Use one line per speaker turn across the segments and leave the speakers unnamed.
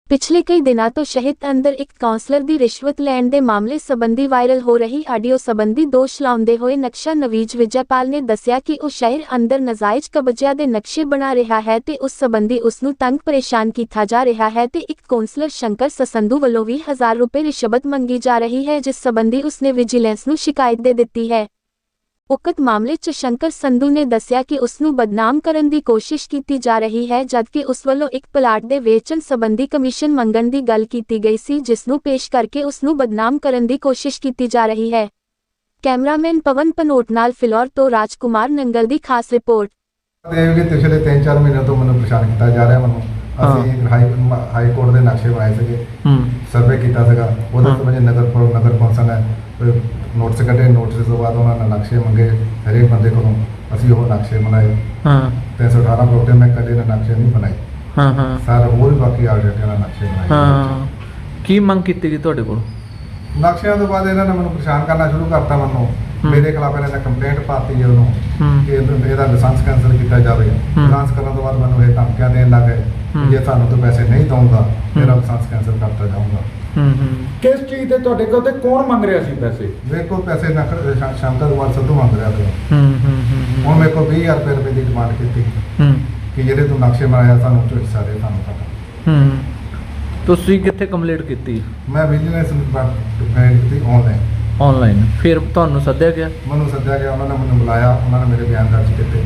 ਪਿਛਲੇ ਕਈ ਦਿਨਾਂ ਤੋਂ ਸ਼ਹਿਰ ਅੰਦਰ ਇੱਕ ਕਾਉਂਸਲਰ ਦੀ ਰਿਸ਼ਵਤ ਲੈਣ ਦੇ ਮਾਮਲੇ ਸੰਬੰਧੀ ਵਾਇਰਲ ਹੋ ਰਹੀ ਆਡੀਓ ਸੰਬੰਧੀ ਦੋਸ਼ ਲਾਉਂਦੇ ਹੋਏ ਨਕਸ਼ਾ ਨਵੀਜ ਵਿਜੈਪਾਲ ਨੇ ਦੱਸਿਆ ਕਿ ਉਹ ਸ਼ਹਿਰ ਅੰਦਰ ਨਾਜਾਇਜ਼ ਕਬਜ਼ਿਆਂ ਦੇ ਨਕਸ਼ੇ ਬਣਾ ਰਿਹਾ ਹੈ ਤੇ ਉਸ ਸੰਬੰਧੀ ਉਸ ਨੂੰ ਤੰਗ ਪਰੇਸ਼ਾਨ ਕੀਤਾ ਜਾ ਰਿਹਾ ਹੈ ਤੇ ਇੱਕ ਕਾਉਂਸਲਰ ਸ਼ੰਕਰ ਸਸੰਧੂ ਵੱਲੋਂ 20,000 ਰੁਪਏ ਰਿਸ਼ਵਤ ਮੰਗੀ ਜਾ ਰਹੀ ਹੈ, ਜਿਸ ਸੰਬੰਧੀ ਉਸਨੇ ਵਿਜੀਲੈਂਸ ਨੂੰ ਸ਼ਿਕਾਇਤ ਦੇ ਦਿੱਤੀ ਹੈ। ਉਕਤ ਮਾਮਲੇ 'ਚ ਸ਼ੰਕਰ ਸੰਧੂ ਨੇ ਦੱਸਿਆ ਕਿ ਉਸ ਨੂੰ ਬਦਨਾਮ ਕਰਨ ਦੀ ਕੋਸ਼ਿਸ਼ ਕੀਤੀ ਜਾ ਰਹੀ ਹੈ, ਜਦਕਿ ਉਸ ਵੱਲੋਂ ਇੱਕ ਪਲਾਟ ਦੇ ਵੇਚਣ ਸੰਬੰਧੀ ਕਮਿਸ਼ਨ ਮੰਗਣ ਦੀ ਗੱਲ ਕੀਤੀ ਗਈ ਸੀ, ਜਿਸ ਨੂੰ ਪੇਸ਼ ਕਰਕੇ ਉਸ ਨੂੰ ਬਦਨਾਮ ਕਰਨ ਦੀ ਕੋਸ਼ਿਸ਼ ਕੀਤੀ ਜਾ ਰਹੀ ਹੈ। ਕੈਮਰਾਮੈਨ ਪਵਨ ਪਨੋਟ ਨਾਲ ਫਿਲੌਰ ਤੋਂ ਰਾਜਕੁਮਾਰ ਨੰਗਲ ਦੀ ਖਾਸ ਰਿਪੋਰਟ।
ਪਿਛਲੇ 3-4 ਮਹੀਨੇ ਤੋਂ ਮੈਨੂੰ ਪਰੇਸ਼ਾਨ ਕੀਤਾ ਜਾ ਰਿਹਾ। ਮੈਨੂੰ ਅਸੀਂ ਹਾਈ ਕੋਰਟ ਦੇ ਨਕਸ਼ੇ ਬਣਾਏ ਸੀਗੇ, ਸਰਵੇ ਕੀਤਾ ਸੀਗਾ, ਉਹਦੇ ਤੋਂ ਬਾਅਦ ਨਗਰ ਕੌਂਸਲ ਨੇ ਨੋਟਿਸ ਕੱਢੇ। ਨੋਟਿਸ ਤੋਂ ਬਾਅਦ ਉਹਨਾਂ ਨੇ ਨਕਸ਼ੇ ਮੰਗੇ ਹਰੇਕ ਬੰਦੇ ਕੋਲੋਂ, ਅਸੀਂ ਉਹ ਨਕਸ਼ੇ ਬਣਾਏ। 318 ਪ੍ਰੋਪਰਟੀ ਮੈਂ ਕਦੇ ਨਕਸ਼ੇ ਨਹੀਂ ਬਣਾਏ। ਸਾਰਾ ਹੋਰ ਵੀ ਬਾਕੀ ਆ ਗਿਆ ਨਾ ਨਕਸ਼ੇ ਬਣਾਏ।
ਕੀ ਮੰਗ ਕੀਤੀ ਗਈ ਤੁਹਾਡੇ ਕੋਲ?
ਨਕਸ਼ਿਆਂ ਤੋਂ ਬਾਅਦ ਇਹਨਾਂ ਨੇ ਮੈਨੂੰ ਪਰੇਸ਼ਾਨ ਕਰਨਾ ਸ਼ੁਰੂ ਕਰਤਾ। ਮੈਨੂੰ ਮੇਰੇ ਖਿਲਾਫ ਇਹਨਾਂ ਨੇ ਕੰਪਲੇਂਟ ਪਾਤੀ ਹੈ ਉਹਨੂੰ ਕਿ ਇਹਦਾ ਲਾਇਸੈਂਸ ਕੈਂਸਲ ਕੀਤਾ ਜਾਵੇ। ਲਾਇਸੈਂਸ ਕਰਨ ਤੋਂ ਬਾਅਦ ਮੈਨੂੰ ਇਹ ਧਮਕੀਆਂ ਦੇਣ ਲੱਗ ਗਏ, ਜੇ ਤੁਹਾਨੂੰ ਤੋਂ ਪੈਸੇ ਨਹੀਂ ਦਊਂਗਾ ਮੇਰਾ ਲਾਇਸੈਂਸ ਕੈਂਸਲ ਕਰਤਾ ਜਾਊਂਗਾ।
ਕਿਸ ਚੀਜ਼ ਤੇ ਤੁਹਾਡੇ ਕੋਲ ਤੇ ਕੌਣ ਮੰਗ ਰਿਹਾ ਸੀ ਪੈਸੇ?
ਮੇਰੇ ਕੋਲ ਪੈਸੇ ਸ਼ੰਕਰ ਸੰਧੂ ਮੰਗ ਰਿਹਾ ਸੀ। ਹੁਣ ਮੇਰੇ ਕੋਲ 20,000 ਰੁਪਏ ਦੀ ਡਿਮਾਂਡ ਕੀਤੀ ਕਿ ਜਿਹੜੇ ਤੂੰ ਨਕਸ਼ੇ ਬਣਾਇਆ ਸਾਨੂੰ ਤੋਂ ਹਿੱਸਾ ਦੇ, ਤੁਹਾਨੂੰ ਪਤਾ।
ਤੁਸੀਂ ਕਿੱਥੇ ਕੰਪਲੇਂਟ ਕੀਤੀ?
ਮੈਂ ਵਿਜੀਲੈਂਸ ਨੂੰ ਕੀਤੀ
ਆਨਲਾਈਨ। ਫਿਰ ਤੁਹਾਨੂੰ ਸੱਦਿਆ ਗਿਆ?
ਮੈਨੂੰ ਸੱਦਿਆ ਗਿਆ, ਉਹਨਾਂ ਨੇ ਮੈਨੂੰ ਬੁਲਾਇਆ, ਉਹਨਾਂ ਨੇ ਮੇਰੇ ਬਿਆਨ ਦਰਜ ਕੀਤੇ।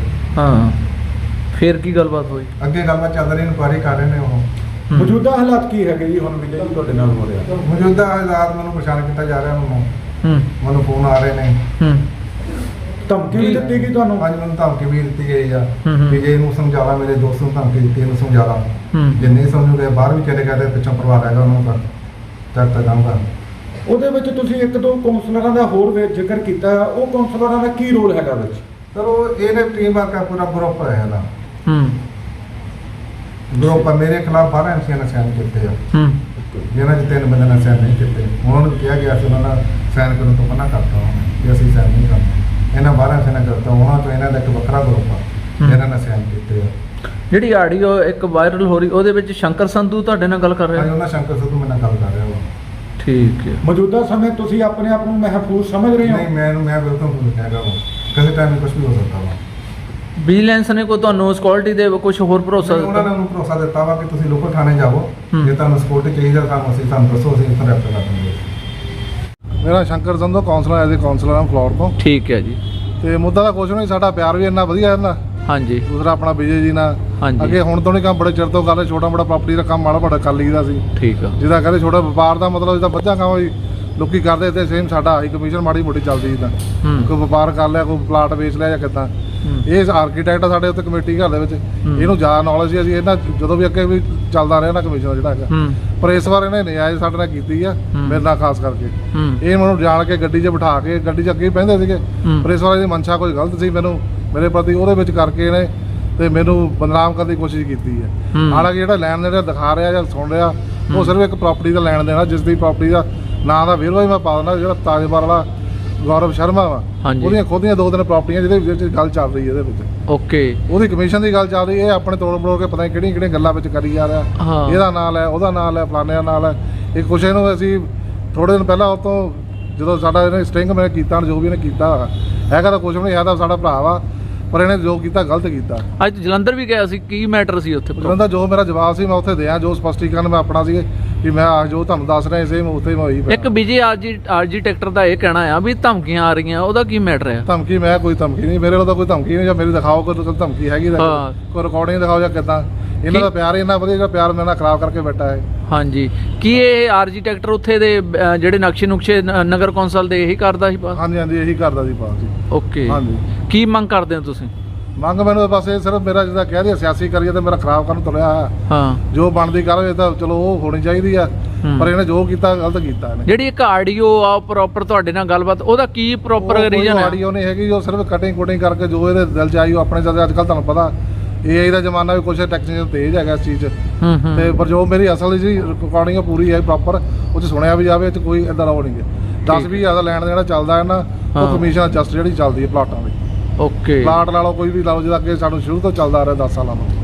ਫਿਰ ਕੀ ਗੱਲਬਾਤ ਹੋਈ?
ਅੱਗੇ ਗੱਲਬਾਤ ਚੱਲ ਰਹੀ, ਇਨਕੁਆਇਰੀ ਕਰ ਰਹੇ ਨੇ ਉਹ।
ਮੌਜੂਦਾ ਹਾਲਾਤ ਕੀ ਹੈਗੇ ਜੀ ਹੁਣ ਵਿਜੇ ਜੀ ਤੁਹਾਡੇ ਨਾਲ ਹੋ ਰਿਹਾ?
ਮੌਜੂਦਾ ਹਾਲਾਤ ਮੈਨੂੰ ਪਰੇਸ਼ਾਨ ਕੀਤਾ ਜਾ ਰਿਹਾ। ਮੈਨੂੰ ਫੋਨ ਆ ਰਹੇ ਨੇ,
ਧਮਕੀ ਵੀ ਦਿੱਤੀ ਗਈ ਤੁਹਾਨੂੰ?
ਹਾਂਜੀ, ਮੈਨੂੰ ਧਮਕੀ ਵੀ ਦਿੱਤੀ ਗਈ ਆ ਵੀ ਜੇ ਇਹਨੂੰ ਸਮਝਾ ਲਾ, ਮੇਰੇ ਦੋਸਤ ਨੂੰ ਧਮਕੀ ਦਿੱਤੀ ਇਹਨੂੰ ਸਮਝਾ ਲਾ, ਜੇ ਨਹੀਂ ਸਮਝੂਗੇ ਬਾਹਰ ਵੀ ਚਲੇ ਗਏ ਤੇ ਪਿੱਛੋਂ ਪਰਿਵਾਰ ਹੈਗਾ ਉਹਨੂੰ ਕਰ ਚੱਕ ਜਾਊਗਾ।
ਉਹਦੇ ਵਿੱਚ ਤੁਸੀਂ ਇੱਕ ਦੋ ਕਾਉਂਸਲਰਾਂ ਦਾ ਹੋਰ ਜ਼ਿਕਰ ਕੀਤਾ, ਉਹ ਕਾਉਂਸਲਰਾਂ ਦਾ ਕੀ ਰੋਲ ਹੈਗਾ ਵਿੱਚ?
ਸਰ ਉਹ ਇਹਨੇ ਟੀਮ ਵਰਕ ਆ, ਪੂਰਾ ਗਰੁੱਪ ਹੈ ਇਹਦਾ। ਗਰੁੱਪ ਮੇਰੇ ਖਿਲਾਫ 12 ਐਮਸੀਆਂ ਨੇ ਸਾਈਨ ਕੀਤੇ ਆ, ਜਿਹਨਾਂ 'ਚ 3 ਬੰਦੇ ਨੇ ਸਾਈਨ ਨਹੀਂ ਕੀਤੇ। ਉਹਨਾਂ ਨੂੰ ਕਿਹਾ ਗਿਆ ਸੀ, ਉਹਨਾਂ ਨੇ ਸਾਈਨ ਕਰਨ ਤੋਂ ਮਨਾ ਕਰਤਾ ਕਿ ਅਸੀਂ ਸਾਈਨ ਨਹੀਂ ਕਰਨਾ। ਇਹਨਾਂ 12 ਐਮਸੀਆਂ ਨੇ ਕਰਤਾ, ਉਹਨਾਂ ਤੋਂ ਇਹਨਾਂ ਦਾ ਇੱਕ ਵੱਖਰਾ ਗਰੁੱਪ ਆ ਜਿਹਨਾਂ ਨੇ ਸਾਈਨ ਕੀਤੇ ਆ।
ਜਿਹੜੀ ਆਡੀਓ ਇੱਕ ਵਾਇਰਲ ਹੋ ਰਹੀ, ਉਹਦੇ ਵਿੱਚ ਸ਼ੰਕਰ ਸੰਧੂ ਤੁਹਾਡੇ ਨਾਲ ਗੱਲ ਕਰ ਰਿਹਾ?
ਉਹਨਾਂ ਸ਼ੰਕਰ ਸੰਧੂ ਮੇਰੇ ਨਾਲ ਗੱਲ ਕਰ ਰਿਹਾ ਵਾ।
ਠੀਕ ਹੈ।
ਮੌਜੂਦਾ ਸਮੇਂ ਤੁਸੀਂ ਆਪਣੇ ਆਪ ਨੂੰ ਮਹਿਫੂਜ਼ ਸਮਝ ਰਹੇ ਹੋ?
ਨਹੀਂ, ਮੈਂ ਬਿਲਕੁਲ ਨਹੀਂ ਕਹਿ ਰਿਹਾ। ਕਿਸੇ ਟਾਈਮ ਕੁਝ ਵੀ ਹੋ ਸਕਦਾ ਵਾ।
ਵਿਜੀਲੈਂਸ ਨੇ ਕੋਈ ਤੁਹਾਨੂੰ ਸਿਕਿਉਰਿਟੀ ਦੇ ਕੁਝ ਹੋਰ ਭਰੋਸਾ ਦਿੱਤਾ?
ਉਹਨਾਂ ਨੇ ਮੈਨੂੰ ਭਰੋਸਾ ਦਿੱਤਾ ਵਾ ਕਿ ਤੁਸੀਂ ਲੋਕਲ ਥਾਣੇ ਜਾਓ, ਜੇ ਤੁਹਾਨੂੰ ਸਿਕਿਉਰਿਟੀ ਚਾਹੀਦਾ ਸਾਨੂੰ ਦੱਸੋ, ਅਸੀਂ ਇੱਥੇ ਰੈਫਰ ਕਰ ਦਿੰਦੇ। ਮੇਰਾ Shankar Sandhu councillor as a councillor ਆ ਫਲੋਰ ਤੋਂ।
ਠੀਕ ਹੈ ਜੀ।
ਤੇ ਮੁੱਦਾ ਤਾਂ ਕੁਝ ਨਹੀਂ, ਸਾਡਾ ਪਿਆਰ ਵੀ ਇੰਨਾ ਵਧੀਆ ਹੈ।
ਹਾਂਜੀ।
ਦੂਸਰਾ ਆਪਣਾ ਵਿਜੇ ਜੀ ਨਾਲ ਅੱਗੇ ਹੁਣ ਤੋਂ ਨਹੀਂ ਕੰਮ, ਬੜੇ ਚਿਰ ਤੋਂ ਗੱਲ, ਛੋਟਾ ਮੋਟਾ ਪ੍ਰਾਪਰਟੀ ਦਾ ਕੰਮ ਮਾੜਾ ਮੋਟਾ ਕਰ ਲਈਦਾ ਸੀ। ਠੀਕ ਆ। ਜਿਹਦਾ ਕਹਿੰਦੇ ਛੋਟਾ ਵਪਾਰ ਦਾ ਮਤਲਬ ਜਿੱਦਾਂ ਵੱਧਾ ਕੰਮ ਵੀ ਲੋਕੀ ਕਰਦੇ ਤੇ ਸੇਮ ਸਾਡਾ ਹਾਈ ਕਮਿਸ਼ਨ ਮਾੜੀ ਮੋਟੀ ਚੱਲਦੀ ਜਿੱਦਾਂ ਕੋਈ ਵਪਾਰ ਕਰ ਲਿਆ, ਕੋਈ ਪਲਾਟ ਵੇਚ ਲਿਆ ਜਾਂ ਕਿੱਦਾਂ। ਇਹ ਆਰਕੀਟੈਕਟ ਆ ਸਾਡੇ ਉੱਤੇ ਕਮੇਟੀ ਘਰ ਦੇ ਵਿੱਚ, ਇਹਨੂੰ ਜ਼ਿਆਦਾ ਨੌਲੇਜ ਸੀ। ਅਸੀਂ ਇਹਨਾਂ ਜਦੋਂ ਵੀ ਅੱਗੇ ਵੀ ਚੱਲਦਾ ਰਿਹਾ ਨਾ ਕਮਿਸ਼ਨ ਜਿਹੜਾ ਹੈਗਾ, ਪਰ ਇਸ ਵਾਰ ਇਹਨੇ ਨਿਆਇ ਸਾਡੇ ਨਾਲ ਕੀਤੀ ਆ, ਮੇਰੇ ਨਾਲ ਖਾਸ ਕਰਕੇ। ਇਹ ਮੈਨੂੰ ਜਾਣ ਕੇ ਗੱਡੀ 'ਚ ਬਿਠਾ ਕੇ, ਗੱਡੀ 'ਚ ਅੱਗੇ ਬਹਿੰਦੇ ਸੀਗੇ, ਪਰ ਇਸ ਵਾਰ ਇਹਦੀ ਮਨਸ਼ਾ ਕੋਈ ਗਲਤ ਸੀ ਮੈਨੂੰ ਮੇਰੇ ਪ੍ਰਤੀ, ਉਹਦੇ ਵਿੱਚ ਕਰਕੇ ਇਹਨੇ ਤੇ ਮੈਨੂੰ ਬਦਨਾਮ ਕਰਨ ਦੀ ਕੋਸ਼ਿਸ਼ ਕੀਤੀ ਹੈ। ਹਾਲਾਂਕਿ ਜਿਹੜਾ ਲੈਣ ਦੇਣ ਦਿਖਾ ਰਿਹਾ ਜਾਂ ਸੁਣ ਰਿਹਾ, ਉਹ ਸਿਰਫ ਇੱਕ ਪ੍ਰਾਪਰਟੀ ਦਾ ਲੈਣ ਦੇਣਾ, ਜਿਸ ਦੀ ਪ੍ਰਾਪਰਟੀ ਦਾ ਨਾਂ ਦਾ ਵੇਰਵਾ ਹੀ ਮੈਂ ਪਾ ਦਿੰਦਾ। ਜਿਹੜਾ ਤਾਜਪੁਰ ਵਾਲਾ ਗੌਰਵ ਸ਼ਰਮਾ ਵਾ, ਉਹਦੀਆਂ ਖੁਦ ਦੀਆਂ 2-3 ਪ੍ਰਾਪਰਟੀਆਂ ਜਿਹਦੇ ਵਿੱਚ ਗੱਲ ਚੱਲ ਰਹੀ ਹੈ। ਇਹਦੇ ਵਿੱਚ ਓਕੇ ਉਹਦੀ ਕਮਿਸ਼ਨ ਦੀ ਗੱਲ ਚੱਲ ਰਹੀ। ਇਹ ਆਪਣੇ ਤੋੜ ਮਰੋੜ ਕੇ ਪਤਾ ਨਹੀਂ ਕਿਹੜੀਆਂ ਗੱਲਾਂ ਵਿੱਚ ਕਰੀ ਜਾ ਰਿਹਾ। ਇਹਦਾ ਨਾਂ ਲੈ, ਉਹਦਾ ਨਾਂ ਲੈ, ਫਲਾਣੇ ਦਾ ਨਾਂ ਲੈ। ਇਹ ਕੁਛ ਇਹਨੂੰ ਅਸੀਂ ਥੋੜ੍ਹੇ ਦਿਨ ਪਹਿਲਾਂ ਉਹ ਤੋਂ ਜਦੋਂ ਸਾਡਾ ਇਹਨੇ ਸਟਿੰਗ ਮੈਂ ਕੀਤਾ, ਜੋ ਵੀ ਇਹਨੇ ਕੀਤਾ ਹੈਗਾ ਤਾਂ ਕੁਛ ਵੀ ਨਹੀਂ, ਹੈਗਾ ਸਾਡਾ ਭਰਾ ਵਾ, ਪਰ ਇਹਨੇ ਜੋ ਕੀਤਾ ਗਲਤ ਕੀਤਾ।
ਅੱਜ ਜਲੰਧਰ ਵੀ ਗਿਆ ਸੀ, ਕੀ ਮੈਟਰ ਸੀ ਉੱਥੇ?
ਜਲੰਧਰ ਜੋ ਮੇਰਾ ਜਵਾਬ ਸੀ ਮੈਂ ਉੱਥੇ ਦਿਆਂ, ਜੋ ਸਪਸ਼ਟੀਕਰਨ ਮੈਂ ਆਪਣਾ ਸੀ ਕਿ ਮੈਂ ਜੋ ਤੁਹਾਨੂੰ ਦੱਸ ਰਿਹਾ ਸੇਮ ਉੱਥੇ ਮੈਂ ਹੋਈ।
ਇੱਕ ਵਿਜੇ ਆਰਕੀਟੈਕਟਰ ਦਾ ਇਹ ਕਹਿਣਾ ਆ ਵੀ ਧਮਕੀਆਂ ਆ ਰਹੀਆਂ, ਉਹਦਾ ਕੀ ਮੈਟਰ ਹੈ?
ਧਮਕੀ ਮੈਂ ਕੋਈ ਧਮਕੀ ਨਹੀਂ, ਮੇਰੇ ਵੱਲੋਂ ਤਾਂ ਕੋਈ ਧਮਕੀ ਨਹੀਂ। ਜਾਂ ਮੇਰੀ ਦਿਖਾਓ ਕੋਈ ਧਮਕੀ ਹੈਗੀ, ਕੋਈ ਰਿਕਾਰਡਿੰਗ ਦਿਖਾਓ ਜਾਂ ਕਿੱਦਾਂ। ਇਹਨਾਂ ਦਾ ਪਿਆਰ ਇੰਨਾ ਵਧੀਆ, ਜਿਹੜਾ ਪਿਆਰ ਮੇਰੇ ਨਾਲ ਖਰਾਬ ਕਰਕੇ ਬੈਠਾ ਹੈ।
ਹਾਂਜੀ। ਕੀ ਇਹ ਆਰਕੀਟੈਕਟਰ ਉੱਥੇ ਦੇ ਜਿਹੜੇ ਨਕਸ਼ੇ ਨਗਰ ਕੌਂਸਲ ਦੇ ਇਹੀ ਕਰਦਾ ਸੀ?
ਹਾਂਜੀ, ਇਹੀ ਕਰਦਾ ਸੀ ਪਾਸ ਜੀ।
ਓਕੇ। ਹਾਂਜੀ। ਕੀ ਮੰਗ ਕਰਦੇ ਹੋ ਤੁਸੀਂ?
ਮੰਗ ਮੈਨੂੰ ਬਸ ਇਹ ਸਿਰਫ ਮੇਰਾ ਜਿੱਦਾਂ ਕਹਿ ਰਿਹਾ ਸਿਆਸੀ ਕਰੀਏ ਤੇ ਮੇਰਾ ਖਰਾਬ ਕਰਨ ਤੁਰਿਆ ਆ। ਜੋ ਬਣਦੀ ਕਾਰਵਾਈ ਤਾਂ ਚਲੋ ਉਹ ਹੋਣੀ ਚਾਹੀਦੀ ਆ, ਪਰ ਇਹਨੇ ਜੋ ਕੀਤਾ ਗਲਤ ਕੀਤਾ ਇਹਨੇ। ਜਿਹੜੀ ਇੱਕ ਆਡੀਓ ਆ ਪ੍ਰੋਪਰ ਤੁਹਾਡੇ ਨਾਲ ਗੱਲਬਾਤ, ਉਹਦਾ ਕੀ ਪ੍ਰੋਪਰ ਰੀਜ਼ਨ ਹੈ? ਆਡੀਓ ਨਹੀਂ ਹੈਗੀ, ਉਹ ਸਿਰਫ ਕਟਿੰਗ ਕੁਟਿੰਗ ਕਰਕੇ ਜੋ ਇਹਦੇ ਦਿਲ 'ਚ ਆਈ ਉਹ ਆਪਣੇ ਜਦ ਅੱਜ ਕੱਲ੍ਹ ਤੁਹਾਨੂੰ ਪਤਾ AI ਦਾ ਜ਼ਮਾਨਾ ਵੀ ਕੁਛ ਟੈਕਨੀਕਲ ਤੇਜ਼ ਹੈਗਾ ਇਸ ਚੀਜ਼ 'ਚ, ਤੇ ਪਰ ਜੋ ਮੇਰੀ ਅਸਲ ਜੀ ਰਿਕਾਰਡਿੰਗ ਪੂਰੀ ਹੈ ਪ੍ਰੋਪਰ, ਉਹ 'ਚ ਸੁਣਿਆ ਵੀ ਜਾਵੇ, ਇਹ 'ਚ ਕੋਈ ਇੱਦਾਂ ਦਾ ਉਹ ਨਹੀਂ ਹੈ। 10-20 ਹਜ਼ਾਰ ਦਾ ਲੈਣ ਦੇਣਾ ਚੱਲਦਾ ਹੈ ਨਾ, ਉਹ ਕਮਿਸ਼ਨ ਜਸਟ ਜਿਹੜੀ ਚੱਲਦੀ ਹੈ ਪਲਾਟਾਂ ਦੀ। ਓਕੇ। ਪਲਾਟ ਲਾ ਲਓ, ਕੋਈ ਵੀ ਲਾ ਲਓ, ਜਿਹਦਾ ਅੱਗੇ ਸਾਨੂੰ ਸ਼ੁਰੂ ਤੋਂ ਚੱਲਦਾ ਆ ਰਿਹਾ 10 ਸਾਲਾਂ ਤੋਂ।